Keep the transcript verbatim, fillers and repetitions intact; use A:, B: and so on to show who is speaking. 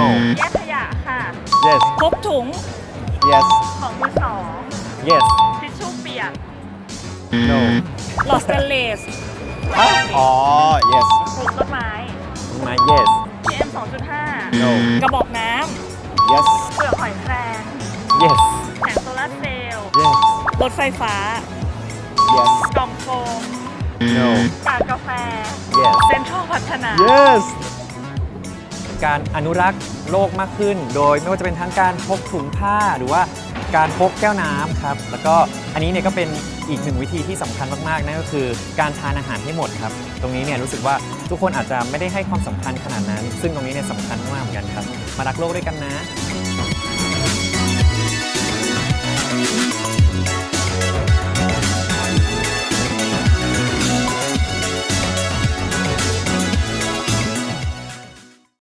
A: no
B: แยกขยะค่ะ
A: yes
B: พกถุง
A: yes
B: ของมือสอง
A: yes
B: ทิชชู่เปียก
A: no
B: หลอดสเตนเลส
A: อ๋อ yes
B: ปลูกต้นไม้
A: มา yes
B: พี เอ็ม สองจุดห้า
A: no
B: กระบอกน้
A: yes
B: ำเปลือกหอยแครง
A: yes
B: แผงโซลาร์เซลล์
A: yes
B: รถไฟฟ้า
A: yes
B: กล่องโฟม
A: no
B: กากกาแฟ
A: yes
B: เซ็นทรัลพัฒนา
A: yes
C: การอนุรักษ์โลกมากขึ้น โดยไม่ว่าจะเป็นทั้งการพกถุงผ้าหรือว่าการพกแก้วน้ำครับแล้วก็อันนี้เนี่ยก็เป็นอีกหนึ่งวิธีที่สำคัญมากๆนั่นก็คือการทานอาหารให้หมดครับตรงนี้เนี่ยรู้สึกว่าทุกคนอาจจะไม่ได้ให้ความสำคัญขนาดนั้น ซึ่งตรงนี้เนี่ยสำคัญมากๆเหมือนกันครับมารักโลกด้วยกันนะ